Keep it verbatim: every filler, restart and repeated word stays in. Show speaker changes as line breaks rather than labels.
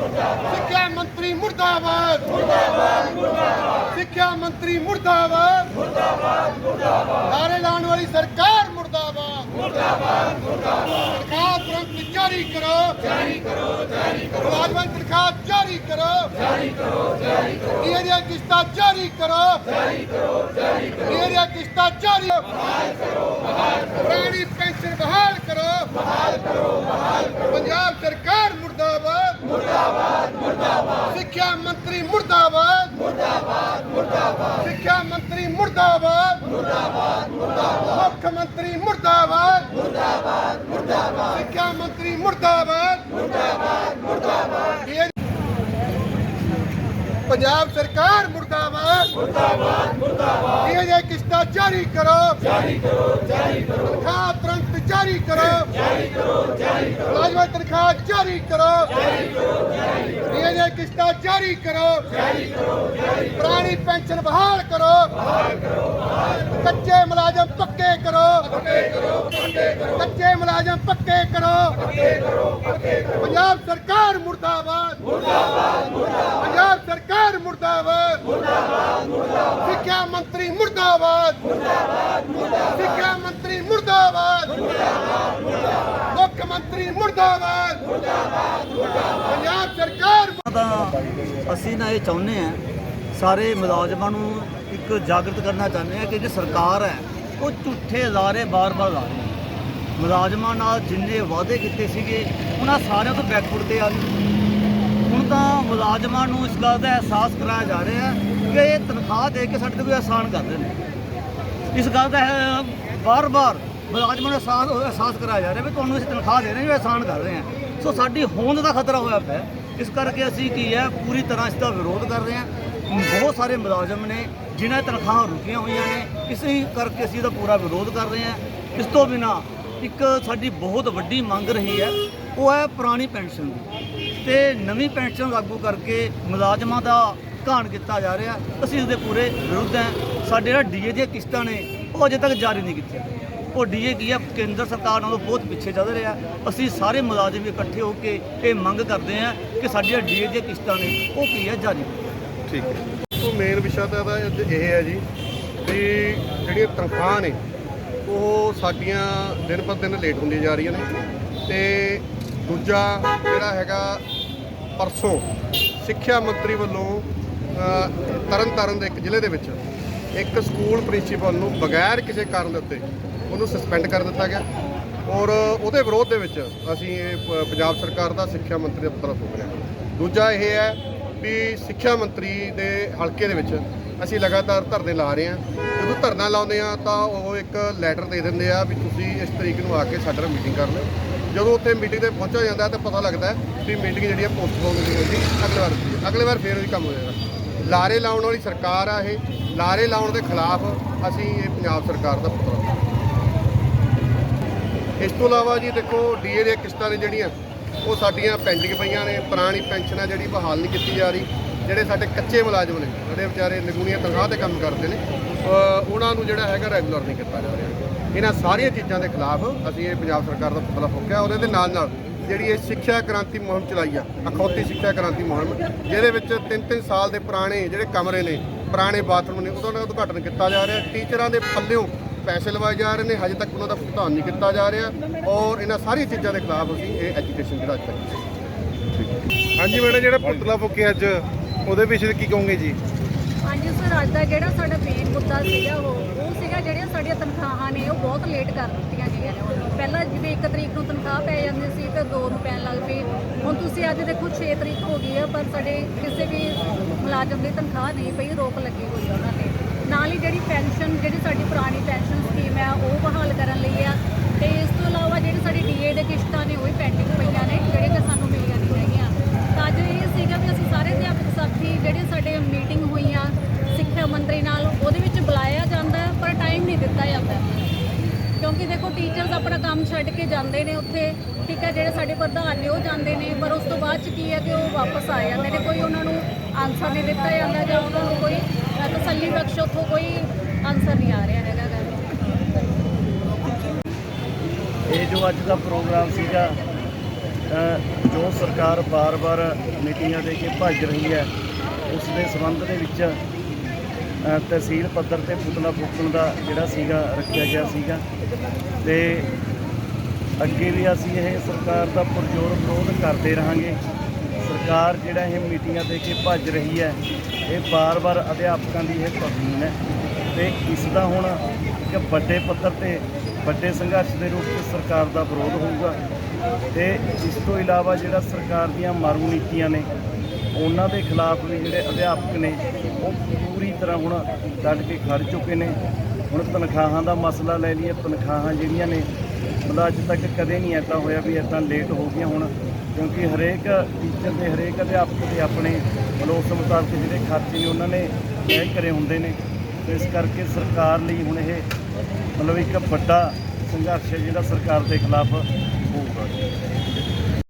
ਸਿੱਖਿਆ ਮੰਤਰੀ ਮੁਰਦਾਬਾਦ ਸਿੱਖਿਆ ਮੰਤਰੀ ਮੁਰਦਾਬਾਦ ਨਾਅਰੇ ਲਾਉਣ ਵਾਲੀ ਸਰਕਾਰ ਮੁਰਦਾਬਾਦ ਤਨਖਾਹ ਤੁਰੰਤ ਜਾਰੀ ਕਰੋ ਜਾਰੀ ਕਰੋ ਜਾਰੀ ਕਰੋ ਮੁਲਾਜ਼ਮਾਂ ਦੀ ਤਨਖਾਹ ਜਾਰੀ ਕਰੋ ਜਾਰੀ ਕਰੋ ਜਾਰੀ ਕਰੋ ਡੀਏ ਦੀਆਂ ਕਿਸ਼ਤਾਂ ਜਾਰੀ ਕਰੋ ਜਾਰੀ ਕਰੋ ਜਾਰੀ ਕਰੋ ਡੀਏ ਦੀਆਂ ਕਿਸ਼ਤਾਂ ਜਾਰੀ ਬਹਾਲ ਕਰੋ ਬਹਾਲ ਕਰੋ ਪੁਰਾਣੀ ਪੈਨਸ਼ਨ ਬਹਾਲ ਕਰੋ ਬਹਾਲ ਕਰੋ ਬਹਾਲ ਕਰੋ ਪੰਜਾਬ ਸਰਕਾਰ ਮੁਰਦਾਬਾਦ ਮੁਰਦਾਬਾਦ ਮੁਰਦਾਬਾਦ ਸਿੱਖਿਆ ਮੰਤਰੀ ਮੁਰਦਾਬਾਦ ਮੁਰਦਾਬਾਦ ਮੁਰਦਾਬਾਦ ਸਿੱਖਿਆ ਮੰਤਰੀ ਮੁਰਦਾਬਾਦ ਮੁਰਦਾਬਾਦ ਮੁਰਦਾਬਾਦ ਮੁੱਖ ਮੰਤਰੀ ਮੁਰਦਾਬਾਦ ਮੁਰਦਾਬਾਦ ਮੁਰਦਾਬਾਦ ਸਿੱਖਿਆ ਮੰਤਰੀ ਮੁਰਦਾਬਾਦ ਮੁਰਦਾਬਾਦ ਮੁਰਦਾਬਾਦ ਪੰਜਾਬ ਸਰਕਾਰ ਮੁਰਦਾਬਾਦ ਮੁਰਦਾਬਾਦ ਮੁਰਦਾਬਾਦ ਇਹ ਜੇ ਕਿਸ਼ਤਾਂ ਜਾਰੀ ਕਰੋ ਜਾਰੀ ਕਰੋ ਜਾਰੀ ਕਰੋ ਤਨਖਾਹ ਤੁਰੰਤ ਜਾਰੀ ਕਰੋ ਜਾਰੀ ਕਰੋ ਜਾਰੀ ਕਰੋ ਮੁਲਾਜ਼ਮਾਂ ਦੀ ਤਨਖਾਹ ਜਾਰੀ ਕਰੋ ਜਾਰੀ ਕਰੋ ਜਾਰੀ ਕਰੋ ਇਹ ਜੇ ਕਿਸ਼ਤਾਂ ਜਾਰੀ ਕਰੋ ਜਾਰੀ ਕਰੋ ਜਾਰੀ ਕਰੋ ਪੁਰਾਣੀ ਪੈਨਸ਼ਨ ਬਹਾਲ ਕਰੋ ਬਹਾਲ ਕਰੋ ਬਹਾਲ ਕਰੋ ਕੱਚੇ ਮੁਲਾਜ਼ਮ ਪੱਕੇ ਕਰੋ ਪੱਕੇ ਕਰੋ ਪੱਕੇ ਕਰੋ ਕੱਚੇ ਮੁਲਾਜ਼ਮ ਪੱਕੇ ਕਰੋ ਪੱਕੇ ਕਰੋ ਪੱਕੇ ਕਰੋ ਪੰਜਾਬ ਸਰਕਾਰ ਮੁਰਦਾਬਾਦ ਮੁਰਦਾਬਾਦ ਮੁਰਦਾਬਾਦ ਪੰਜਾਬ ਸਰਕਾਰ ਮੁਰਦਾਬਾਦ ਮੁਰਦਾਬਾਦ ਮੁਰਦਾਬਾਦ ਸਿੱਖਿਆ ਮੰਤਰੀ ਮੁਰਦਾਬਾਦ ਮੁਰਦਾਬਾਦ ਮੁਰਦਾਬਾਦ ਸਿੱਖਿਆ ਮੰਤਰੀ ਮੁਰਦਾਬਾਦ ਮੁਰਦਾਬਾਦ ਮੁਰਦਾਬਾਦ ਮੁੱਖ ਮੰਤਰੀ ਮੁਰਦਾਬਾਦ ਮੁਰਦਾਬਾਦ ਮੁਰਦਾਬਾਦ ਪੰਜਾਬ ਸਰਕਾਰ
ਤਾਂ ਅਸੀਂ ਨਾ ਇਹ ਚਾਹੁੰਦੇ ਹਾਂ ਸਾਰੇ ਮੁਲਾਜ਼ਮਾਂ ਨੂੰ ਇੱਕ ਜਾਗਰਤ ਕਰਨਾ ਚਾਹੁੰਦੇ ਹਾਂ ਕਿ ਜਿਹੜੀ ਸਰਕਾਰ ਹੈ ਉਹ ਝੂਠੇ ਲਾਰੇ ਬਾਰ-ਬਾਰ ਲਾ ਰਹੀ ਹੈ। ਮੁਲਾਜ਼ਮਾਂ ਨਾਲ ਜਿੰਨੇ ਵਾਅਦੇ ਕੀਤੇ ਸੀਗੇ ਉਹਨਾਂ ਸਾਰਿਆਂ ਤੋਂ ਬੈਕਵਰਡ ਤੇ ਆ ਗਏ। ਹੁਣ ਤਾਂ ਮੁਲਾਜ਼ਮਾਂ ਨੂੰ ਇਸ ਗੱਲ ਦਾ ਅਹਿਸਾਸ ਕਰਾਇਆ ਜਾ ਰਿਹਾ ਕਿ ਇਹ ਤਨਖਾਹ ਦੇ ਕੇ ਸਾਡੇ ਤੇ ਕੋਈ ਆਸਾਨ ਕਰਦੇ ਨੇ। ਇਸ ਗੱਲ ਦਾ ਬਾਰ-ਬਾਰ ਮੁਲਾਜ਼ਮਾਂ ਨੂੰ ਅਹਿਸਾਸ ਅਹਿਸਾਸ ਕਰਾਇਆ ਜਾ ਰਿਹਾ ਵੀ ਤੁਹਾਨੂੰ ਅਸੀਂ ਤਨਖਾਹ ਦੇ ਰਹੇ ਹਾਂ, ਆਸਾਨ ਕਰ ਰਹੇ ਹਾਂ। ਸੋ ਸਾਡੀ ਹੋਂਦ ਦਾ ਖਤਰਾ ਹੋਇਆ ਪਿਆ। ਇਸ ਕਰਕੇ ਅਸੀਂ ਕੀ ਹੈ ਪੂਰੀ ਤਰ੍ਹਾਂ ਇਸ ਦਾ ਵਿਰੋਧ ਕਰ ਰਹੇ ਹਾਂ। ਬਹੁਤ ਸਾਰੇ ਮੁਲਾਜ਼ਮ ਨੇ ਜਿਨ੍ਹਾਂ ਦੀਆਂ ਤਨਖਾਹਾਂ ਰੁਕੀਆਂ ਹੋਈਆਂ ਨੇ, ਇਸੇ ਕਰਕੇ ਅਸੀਂ ਇਹਦਾ ਪੂਰਾ ਵਿਰੋਧ ਕਰ ਰਹੇ ਹਾਂ। ਇਸ ਤੋਂ ਬਿਨਾਂ ਇੱਕ ਸਾਡੀ ਬਹੁਤ ਵੱਡੀ ਮੰਗ ਰਹੀ ਹੈ, ਉਹ ਹੈ ਪੁਰਾਣੀ ਪੈਨਸ਼ਨ ਦੀ ਤੇ ਨਵੀਂ ਪੈਨਸ਼ਨ ਲਾਗੂ ਕਰਕੇ ਮੁਲਾਜ਼ਮਾਂ ਦਾ ਘਾਣ ਕੀਤਾ ਜਾ ਰਿਹਾ। ਅਸੀਂ ਇਸ ਦੇ ਪੂਰੇ ਵਿਰੁੱਧ ਹਾਂ। ਸਾਡੇ ਜਿਹੜਾ ਡੀਏ ਦੀਆਂ ਕਿਸ਼ਤਾਂ ਨੇ ਉਹ ਅਜੇ ਤੱਕ ਜਾਰੀ ਨਹੀਂ ਕੀਤੀਆਂ। ਉਹ ਡੀਏ ਕੀ ਹੈ ਕੇਂਦਰ ਸਰਕਾਰ ਨਾਲੋਂ ਬਹੁਤ ਪਿੱਛੇ ਚੱਲ ਰਿਹਾ। ਅਸੀਂ ਸਾਰੇ ਮੁਲਾਜ਼ਮ ਇਕੱਠੇ ਹੋ ਕੇ ਇਹ ਮੰਗ ਕਰਦੇ ਹਾਂ ਕਿ ਸਾਡੀਆਂ ਡੀਏ ਦੀਆਂ ਕਿਸ਼ਤਾਂ ਨੇ ਉਹ ਕੀ ਹੈ ਜਾਰੀ।
ਠੀਕ ਹੈ। ਤੋਂ ਮੇਨ ਵਿਸ਼ਾ ਤਾਂ ਇਹਦਾ ਇਹ ਹੈ ਜੀ ਵੀ ਜਿਹੜੀਆਂ ਤਨਖਾਹਾਂ ਨੇ ਉਹ ਸਾਡੀਆਂ ਦਿਨ ਪਰ ਦਿਨ ਲੇਟ ਹੁੰਦੀਆਂ ਜਾ ਰਹੀਆਂ ਨੇ ਤੇ ਦੂਜਾ ਜਿਹੜਾ ਹੈਗਾ ਪਰਸੋਂ ਸਿੱਖਿਆ ਮੰਤਰੀ ਵੱਲੋਂ ਤਰਨ ਤਾਰਨ ਦੇ ਇੱਕ ਜ਼ਿਲ੍ਹੇ ਦੇ ਵਿੱਚ ਇੱਕ ਸਕੂਲ ਪ੍ਰਿੰਸੀਪਲ ਨੂੰ ਬਗੈਰ ਕਿਸੇ ਕਾਰਨ ਦੇ ਉੱਤੇ ਉਹਨੂੰ ਸਸਪੈਂਡ ਕਰ ਦਿੱਤਾ ਗਿਆ ਔਰ ਉਹਦੇ ਵਿਰੋਧ ਦੇ ਵਿੱਚ ਅਸੀਂ ਇਹ ਪੰਜਾਬ ਸਰਕਾਰ ਦਾ ਸਿੱਖਿਆ ਮੰਤਰੀ ਦਾ ਪੁਤਲਾ ਫੂਕ ਰਹੇ ਹਾਂ। ਦੂਜਾ ਇਹ ਹੈ ਵੀ ਸਿੱਖਿਆ ਮੰਤਰੀ ਦੇ ਹਲਕੇ ਦੇ ਵਿੱਚ ਅਸੀਂ ਲਗਾਤਾਰ ਧਰਨੇ ਲਾ ਰਹੇ ਹਾਂ। ਜਦੋਂ ਧਰਨਾ ਲਾਉਂਦੇ ਆ ਤਾਂ ਉਹ ਇੱਕ ਲੈਟਰ ਦੇ ਦਿੰਦੇ ਆ ਵੀ ਤੁਸੀਂ ਇਸ ਤਰੀਕ ਨੂੰ ਆ ਕੇ ਸਾਡੇ ਨਾਲ ਮੀਟਿੰਗ ਕਰ ਲਓ। ਜਦੋਂ ਉੱਥੇ ਮੀਟਿੰਗ ਤੇ ਪਹੁੰਚਿਆ ਜਾਂਦਾ ਤਾਂ ਪਤਾ ਲੱਗਦਾ ਵੀ ਮੀਟਿੰਗ ਜਿਹੜੀ ਆ ਪੋਸਟਪੋਨ ਹੋਈ ਹੋਈ ਅਗਲੇ ਵਾਰ ਹੁੰਦੀ ਹੈ। ਅਗਲੇ ਵਾਰ ਫੇਰ ਉਹੀ ਕੰਮ ਹੋ ਜਾਏਗਾ। ਲਾਰੇ ਲਾਉਣ ਵਾਲੀ ਸਰਕਾਰ ਆ ਇਹ। ਲਾਰੇ ਲਾਉਣ ਦੇ ਖਿਲਾਫ ਅਸੀਂ ਇਹ ਪੰਜਾਬ ਸਰਕਾਰ ਦਾ ਪੁਤਲਾ। ਇਸ ਤੋਂ ਇਲਾਵਾ ਜੀ ਦੇਖੋ ਡੀਏ ਦੀਆਂ ਕਿਸ਼ਤਾਂ ਨੇ ਜਿਹੜੀਆਂ ਉਹ ਸਾਡੀਆਂ ਪੈਂਡਿੰਗ ਪਈਆਂ ਨੇ। ਪੁਰਾਣੀ ਪੈਨਸ਼ਨ ਆ ਜਿਹੜੀ ਬਹਾਲ ਨਹੀਂ ਕੀਤੀ ਜਾ ਰਹੀ। ਜਿਹੜੇ ਸਾਡੇ ਕੱਚੇ ਮੁਲਾਜ਼ਮ ਨੇ ਜਿਹੜੇ ਵਿਚਾਰੇ ਨਿਗੂਣੀਆਂ ਤਨਖਾਹ ਤੇ ਕੰਮ ਕਰਦੇ ਨੇ ਉਹਨਾਂ ਨੂੰ ਜਿਹੜਾ ਹੈਗਾ ਰੈਗੂਲਰ ਨਹੀਂ ਕੀਤਾ ਜਾ ਰਿਹਾ। ਇਹਨਾਂ ਸਾਰੀਆਂ ਚੀਜ਼ਾਂ ਦੇ ਖਿਲਾਫ ਅਸੀਂ ਇਹ ਪੰਜਾਬ ਸਰਕਾਰ ਦਾ ਪੁਤਲਾ ਫੂਕਿਆ। ਉਹਦੇ ਦੇ ਨਾਲ ਨਾਲ ਜਿਹੜੀ ਇਹ ਸਿੱਖਿਆ ਕ੍ਰਾਂਤੀ ਮੁਹਿੰਮ ਚਲਾਈ ਆ, ਅਖੌਤੀ ਸਿੱਖਿਆ ਕ੍ਰਾਂਤੀ ਮੁਹਿੰਮ, ਜਿਹਦੇ ਵਿੱਚ ਤਿੰਨ ਤਿੰਨ ਸਾਲ ਦੇ ਪੁਰਾਣੇ ਜਿਹੜੇ ਕਮਰੇ ਨੇ, ਪੁਰਾਣੇ ਬਾਥਰੂਮ ਨੇ, ਉਹਦਾ ਉਦਘਾਟਨ ਕੀਤਾ ਜਾ ਰਿਹਾ। ਟੀਚਰਾਂ ਦੇ ਪੱਲਿਓਂ ਪੈਸੇ ਲਵਾਏ ਜਾ ਰਹੇ ਨੇ, ਹਜੇ ਤੱਕ ਉਹਨਾਂ ਦਾ ਭੁਗਤਾਨ ਨਹੀਂ ਕੀਤਾ ਜਾ ਰਿਹਾ ਔਰ ਇਹਨਾਂ ਸਾਰੀਆਂ ਚੀਜ਼ਾਂ ਦੇ ਖਿਲਾਫ ਅਸੀਂ ਇਹ ਐਜੂਕੇਸ਼ਨ ਜਿਹੜਾ ਅੱਜ ਤੱਕ।
ਹਾਂਜੀ ਮੈਡਮ, ਜਿਹੜਾ ਪੁਤਲਾ ਫੂਕਿਆ ਅੱਜ ਉਹਦੇ ਪਿੱਛੇ ਕੀ ਕਹੋਗੇ ਜੀ?
ਹਾਂਜੀ ਸਰ, ਅੱਜ ਦਾ ਜਿਹੜਾ ਸਾਡਾ ਮੇਨ ਮੁੱਦਾ ਸੀਗਾ ਉਹ ਉਹ ਸੀਗਾ ਜਿਹੜੀਆਂ ਸਾਡੀਆਂ ਤਨਖਾਹਾਂ ਨੇ ਉਹ ਬਹੁਤ ਲੇਟ ਕਰ ਦਿੱਤੀਆਂ ਗਈਆਂ ਨੇ। ਪਹਿਲਾਂ ਜਿਵੇਂ ਇੱਕ ਤਰੀਕ ਨੂੰ ਤਨਖਾਹ ਪੈ ਜਾਂਦੀ ਸੀ ਤੇ ਦੋ ਨੂੰ ਪੈਣ ਲੱਗ ਪਈ। ਹੁਣ ਤੁਸੀਂ ਅੱਜ ਦੇਖੋ ਛੇ ਤਰੀਕ ਹੋ ਗਈ ਹੈ ਪਰ ਸਾਡੇ ਕਿਸੇ ਵੀ ਮੁਲਾਜ਼ਮ ਦੀ ਤਨਖਾਹ ਨਹੀਂ ਪਈ, ਰੋਕ ਲੱਗੀ ਹੋਈ ਉਹਨਾਂ ਨੇ। ਨਾਲ ਹੀ ਜਿਹੜੀ ਪੈਨਸ਼ਨ ਜਿਹੜੀ ਸਾਡੀ ਪੁਰਾਣੀ ਪੈਨਸ਼ਨ ਸਕੀਮ ਹੈ ਉਹ ਬਹਾਲ ਕਰਨ ਲਈ ਆ ਤੇ ਇਸ ਤੋਂ ਇਲਾਵਾ ਜਿਹੜੀ ਸਾਡੀ ਡੀਏ ਦੇ ਕਿਸ਼ਤਾਂ ਨੇ ਉਹ ਵੀ ਪੈਂਡਿੰਗ ਪਈਆਂ ਨੇ ਜਿਹੜੇ ਕਿ ਸਾਨੂੰ ਮਿਲੀਆਂ ਨਹੀਂ ਹੈਗੀਆਂ। ਤਾਂ ਅੱਜ ਇਹ ਸੀਗਾ ਵੀ ਅਸੀਂ ਸਾਰੇ ਅਧਿਆਪਕ ਸਾਥੀ ਜਿਹੜੇ ਸਾਡੇ ਮੀਟਿੰਗ ਹੋਈਆਂ ਸਿੱਖਿਆ ਮੰਤਰੀ ਨਾਲ ਉਹਦੇ ਵਿੱਚ ਬੁਲਾਇਆ ਜਾਂਦਾ ਪਰ ਟਾਈਮ ਨਹੀਂ ਦਿੱਤਾ ਜਾਂਦਾ ਕਿਉਂਕਿ ਦੇਖੋ ਟੀਚਰਸ ਆਪਣਾ ਕੰਮ ਛੱਡ ਕੇ ਜਾਂਦੇ ਨੇ ਉੱਥੇ, ਠੀਕ ਹੈ, ਜਿਹੜੇ ਸਾਡੇ ਪ੍ਰਧਾਨ ਨੇ ਉਹ ਜਾਂਦੇ ਨੇ ਪਰ ਉਸ ਤੋਂ ਬਾਅਦ 'ਚ ਕੀ ਹੈ ਕਿ ਉਹ ਵਾਪਸ ਆ ਜਾਂਦੇ ਨੇ। ਕੋਈ ਉਹਨਾਂ ਨੂੰ ਆਨਸਰ ਨਹੀਂ ਦਿੱਤਾ ਜਾਂਦਾ ਜਾਂ ਉਹਨਾਂ ਨੂੰ ਕੋਈ ਤਸੱਲੀ ਬਖਸ਼ ਉੱਥੋਂ ਕੋਈ ਆਨਸਰ ਨਹੀਂ ਆ ਰਿਹਾ ਹੈਗਾ।
ਇਹ ਜੋ ਅੱਜ ਦਾ ਪ੍ਰੋਗਰਾਮ ਸੀਗਾ ਅ, ਜੋ ਸਰਕਾਰ ਬਾਰ-ਬਾਰ ਮੀਟਿੰਗਾਂ ਦੇ ਕੇ ਭੱਜ ਰਹੀ ਹੈ ਉਸ ਦੇ ਸੰਬੰਧ ਦੇ ਵਿੱਚ ਅ, ਤਹਿਸੀਲ ਪੱਧਰ ਤੇ ਪੁਤਲਾ ਫੂਕਣ ਦਾ ਜਿਹੜਾ ਸੀਗਾ ਰੱਖਿਆ ਗਿਆ ਸੀਗਾ ਤੇ ਅੱਗੇ ਵੀ ਅਸੀਂ ਇਹ ਸਰਕਾਰ ਦਾ ਪੁਰਜ਼ੋਰ ਵਿਰੋਧ ਕਰਦੇ ਰਹਾਂਗੇ। ਸਰਕਾਰ ਜਿਹੜਾ ਇਹ ਮੀਟਿੰਗਾਂ ਦੇ ਕੇ ਭੱਜ ਰਹੀ ਹੈ ਇਹ ਬਾਰ-ਬਾਰ ਅਧਿਆਪਕਾਂ ਦੀ ਇਹ ਤੌਹੀਨ ਹੈ ਤੇ ਇਸ ਦਾ ਹੁਣ ਇੱਕ ਵੱਡੇ ਪੱਧਰ ਤੇ ਵੱਡੇ ਸੰਘਰਸ਼ ਦੇ ਰੂਪ ਵਿੱਚ ਸਰਕਾਰ ਦਾ ਵਿਰੋਧ ਹੋਊਗਾ ਤੇ ਇਸ ਤੋਂ ਇਲਾਵਾ ਜਿਹੜਾ ਸਰਕਾਰ ਦੀਆਂ ਮਾਰੂ ਨੀਤੀਆਂ ਨੇ ਉਹਨਾਂ ਦੇ ਖਿਲਾਫ ਵੀ ਜਿਹੜੇ ਅਧਿਆਪਕ ਨੇ ਉਹ ਪੂਰੀ ਤਰ੍ਹਾਂ ਹੁਣ ਡਟ ਕੇ ਖੜ ਚੁੱਕੇ ਨੇ। ਹੁਣ ਤਨਖਾਹਾਂ ਦਾ ਮਸਲਾ ਲੈ ਲਈਏ, ਤਨਖਾਹਾਂ ਜਿਹੜੀਆਂ ਨੇ ਮਤਲਬ ਅੱਜ ਤੱਕ ਕਦੇ ਨਹੀਂ ਇੱਦਾਂ ਹੋਇਆ ਵੀ ਇੱਦਾਂ ਲੇਟ ਹੋ ਗਈਆਂ ਹੁਣ, ਕਿਉਂਕਿ ਹਰੇਕ ਟੀਚਰ ਦੇ ਹਰੇਕ ਅਧਿਆਪਕ ਦੇ ਆਪਣੇ ਮਤਲਬ ਉਸ ਮੁਤਾਬਕ ਜਿਹੜੇ ਖਰਚੇ ਨੇ ਉਹਨਾਂ ਨੇ ਤੈਅ ਕਰੇ ਹੁੰਦੇ ਨੇ। ਇਸ ਕਰਕੇ ਸਰਕਾਰ ਲਈ ਹੁਣ ਇਹ ਮਤਲਬ ਇੱਕ ਵੱਡਾ ਸੰਘਰਸ਼ ਹੈ ਜਿਹੜਾ ਸਰਕਾਰ ਦੇ ਖਿਲਾਫ ਹੋਊਗਾ।